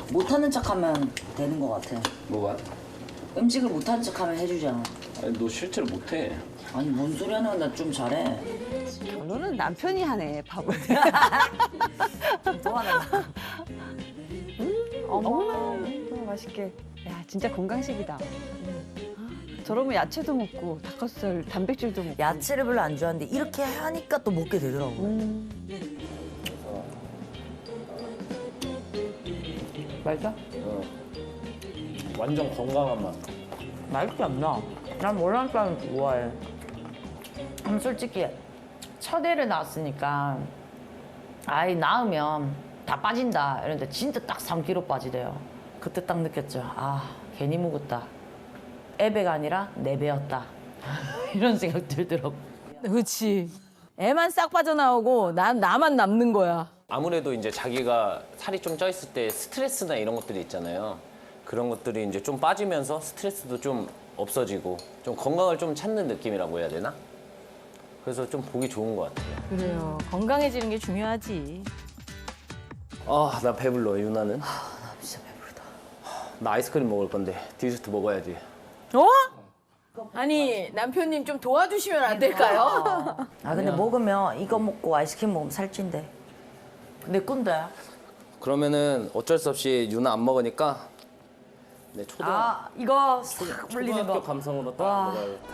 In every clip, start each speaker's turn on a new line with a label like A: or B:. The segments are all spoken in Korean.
A: 못하는 척하면 되는 것 같아.
B: 뭐가?
A: 음식을 못하는 척하면 해주잖아.
B: 아니 너 실제로 못해.
A: 아니 뭔 소리 하는 거야. 나 좀 잘해.
C: 결론은 남편이 하네, 밥을.
A: 또 하나.
C: 어머, 맛있게. 야, 진짜 건강식이다. 저러면 야채도 먹고 닭가슴살, 단백질도 먹고.
D: 야채를 별로 안 좋아하는데 이렇게 하니까 또 먹게 되더라고.
A: 맛있어?
B: 완전 건강한 맛.
A: 맛있지 않나? 난 월남쌈 좋아해. 솔직히 첫 애를 낳았으니까 아이 낳으면 다 빠진다 이런데 진짜 딱 3kg 빠지대요. 그때 딱 느꼈죠. 아 괜히 묵었다. 애배가 아니라 내 배였다. 이런 생각 들더라고.
E: 그렇지. 애만 싹 빠져나오고 나만 남는 거야.
F: 아무래도 이제 자기가 살이 좀 쪄 있을 때 스트레스나 이런 것들이 있잖아요. 그런 것들이 이제 좀 빠지면서 스트레스도 좀 없어지고 좀 건강을 좀 찾는 느낌이라고 해야 되나? 그래서 좀 보기 좋은 것 같아요.
E: 그래요. 건강해지는 게 중요하지.
F: 아, 나 배불러, 유나는.
D: 나 진짜 배부르다.
F: 나 아이스크림 먹을 건데 디저트 먹어야지.
E: 어? 아니 남편님 좀 도와주시면 안 될까요?
D: 아 근데 먹으면 이거 먹고 아이스크림 먹으면 살찐대.
A: 내 건데.
F: 그러면은 어쩔 수 없이 유나 안 먹으니까 네,
A: 아 이거 싹 물리는
F: 초등학교
A: 거.
F: 감성으로 딱
A: 와.
F: 먹어야겠다.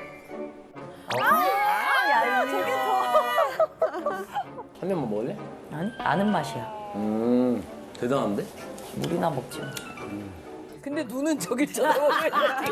F: 한 입만 먹을래?
A: 아니 아는 맛이야.
F: 대단한데?
A: 물이나 먹지.
E: 근데 눈은 저기 쳐다보고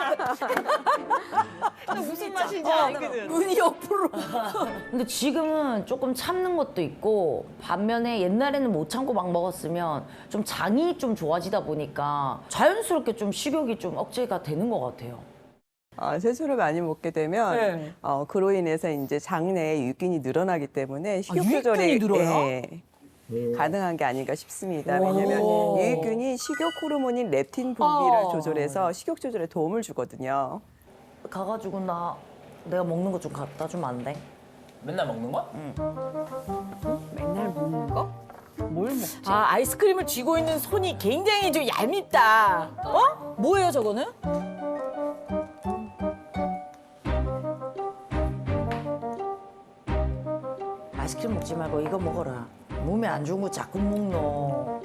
E: 무슨 맛인지 알거든. 눈이 옆으로.
A: 근데 지금은 조금 참는 것도 있고 반면에 옛날에는 못 참고 막 먹었으면 좀 장이 좀 좋아지다 보니까 자연스럽게 좀 식욕이 좀 억제가 되는 것 같아요.
G: 채소를 많이 먹게 되면
E: 네.
G: 그로 인해서 이제 장내에 유익균이 늘어나기 때문에 식욕
E: 유익균이
G: 조절이
E: 늘어요?
G: 가능한 게 아닌가 싶습니다. 왜냐하면 유익균이 식욕 호르몬인 렙틴 분비를 조절해서 식욕 조절에 도움을 주거든요.
A: 가가지고 내가 먹는 거 좀 갖다 주면 안 돼?
F: 맨날 먹는 거야?
C: 맨날 먹는 거? 뭘 먹지?
E: 아 아이스크림을 쥐고 있는 손이 굉장히 좀 얄밉다. 어? 뭐예요 저거는?
A: 아이스크림 먹지 말고 이거 먹어라. 몸에 안 좋은 거 자꾸 먹노.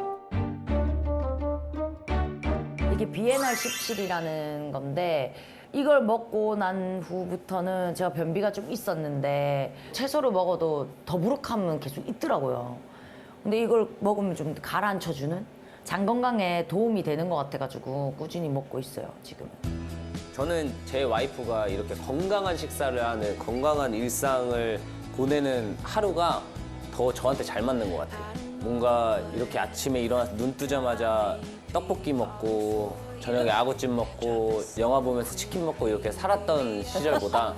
A: 이게 비엔알 17이라는 건데 이걸 먹고 난 후부터는 제가 변비가 좀 있었는데 채소를 먹어도 더부룩함은 계속 있더라고요. 근데 이걸 먹으면 좀 가라앉혀주는 장 건강에 도움이 되는 것 같아가지고 꾸준히 먹고 있어요, 지금.
F: 저는 제 와이프가 이렇게 건강한 식사를 하는 건강한 일상을 보내는 하루가 더 저한테 잘 맞는 것 같아요. 뭔가 이렇게 아침에 일어나서 눈 뜨자마자 떡볶이 먹고 저녁에 아구찜 먹고 영화 보면서 치킨 먹고 이렇게 살았던 시절보다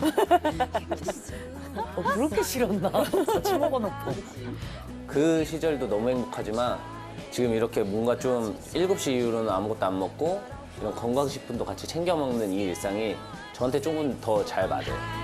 A: 그렇게 싫었나? 같이 먹어놓고.
F: 그 시절도 너무 행복하지만 지금 이렇게 뭔가 좀 7시 이후로는 아무것도 안 먹고 이런 건강식품도 같이 챙겨 먹는 이 일상이 저한테 조금 더 잘 맞아요.